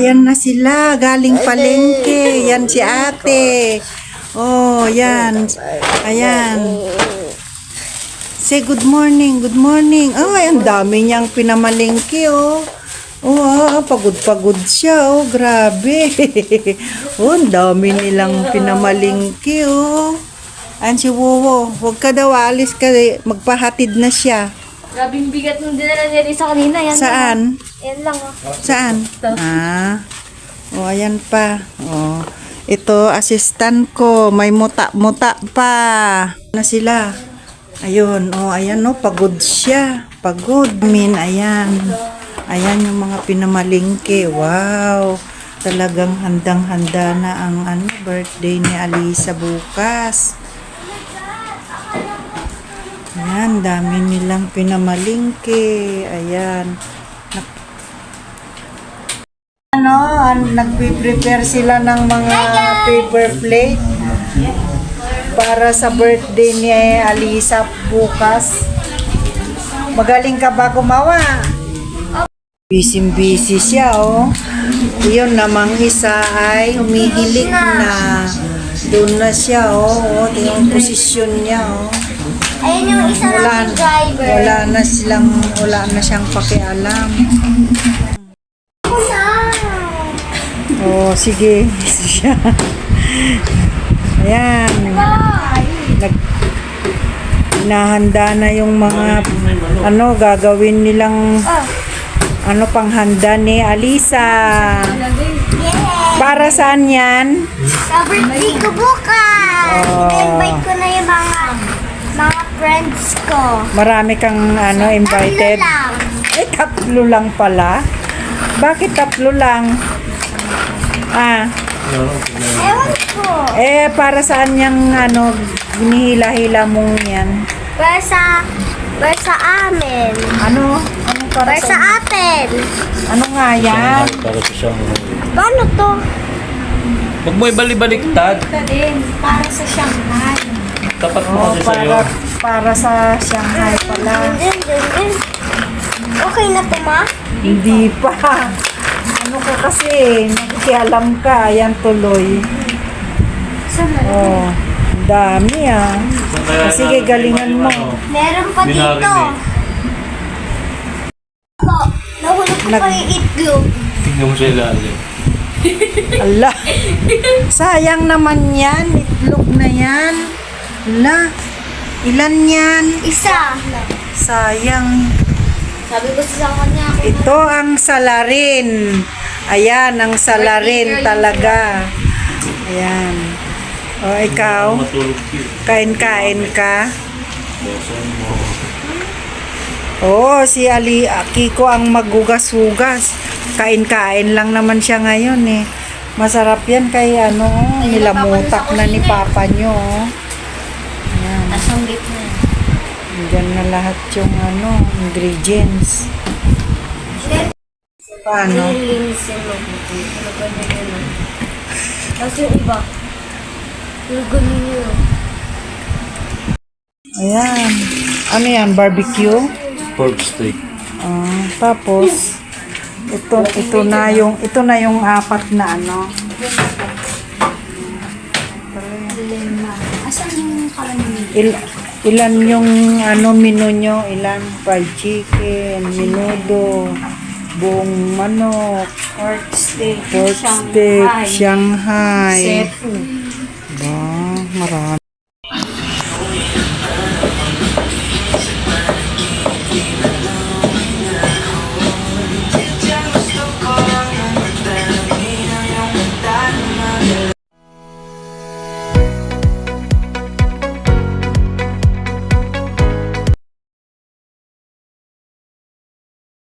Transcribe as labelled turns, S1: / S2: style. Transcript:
S1: Yan na sila, galing palengke. Yan si ate. Oh, yan. Ayan. Say good morning, good morning. Ay, ang dami niyang pinamalengke, oh. Oh, pagod-pagod siya, oh. Grabe. Oh, ang dami nilang pinamalengke, oh. Ayan si Wowo. Huwag ka daw, alis ka. Magpahatid na siya.
S2: Grabing bigat nung dinala niya rin sa kanina. Yan
S1: Saan?
S2: Yan lang. Oh.
S1: Saan? Ah. Oh, ayan pa. Oh. Ito, assistant ko. May muta-muta pa. Na sila. Ayun. Oh, ayan, no. Pagod siya. Pagod. Ayan. Ayan yung mga pinamalingke. Wow. Talagang handang-handa na ang birthday ni Alisa bukas. Ayan, dami nilang pinamalingke. Ayan. Nagpe-prepare sila ng mga paper plate para sa birthday ni Alisa bukas. Magaling ka ba gumawa? Busy siya, oh. Yun namang isa ay humihilik na. Doon na siya, oh. Oh, yung posisyon niya, oh.
S2: Ayun yung isa namin driver.
S1: Wala na siyang pakialam. Oh, sige. Siya. Ayan. Hinahanda na yung mga gagawin nilang panghanda ni Alisa. Para saan yan?
S2: Sa birthday ko bukas. I-invite ko na yung mga friends ko.
S1: Marami kang invited?
S2: Tatlo lang.
S1: 3 lang pala. Bakit 3 lang?
S2: Ewan ko.
S1: Para saan yung hinihila-hila mong yan?
S2: Para sa amin.
S1: Anong
S2: Para sa atin.
S1: Ano nga yan?
S3: Para sa Shanghai.
S2: Paano to?
S3: Huwag mo ibalik-baliktad.
S2: Para sa Shanghai.
S3: Tapat mo kasi sa'yo.
S1: Para sa Shanghai pala.
S2: Okay na to, ma?
S1: Hindi pa. Ano ka kasi? Nakikialam ka. Ayan tuloy. Oh, dami Sige, galingan mo.
S2: Meron pa dito. Nahulog ko pa yung itlog.
S3: Tingnan mo sa ilalim.
S1: Ala. Sayang naman yan. Itlog na yan. Ala. Ilan yan?
S2: Isa.
S1: Sayang.
S2: Sabi ko sa kanya.
S1: Ito ang salarin. Ayan, ang salarin talaga. Ayan. O, ikaw?
S3: Matulog siya.
S1: Kain-kain ka?
S3: Besan mo.
S1: Oo, si Kiko ang maghugas-hugas. Kain-kain lang naman siya ngayon eh. Masarap yan kay nilamutak na ni Papa nyo. Ayan.
S2: Asang gitna.
S1: Diyan na lahat yung ingredients. Paano?
S2: Linisin mo. Tapos yung iba. Yung ganun yun.
S1: Ayan. Ano yan? Barbecue?
S3: Pork steak.
S1: Tapos ito na yung 4 na
S2: Asan yung kalan
S1: ilan yung menu nyo? Ilan? Fried chicken, menudo, buong manok,
S2: pork steak,
S1: Shanghai.
S2: Seafood.
S1: Ba, marami.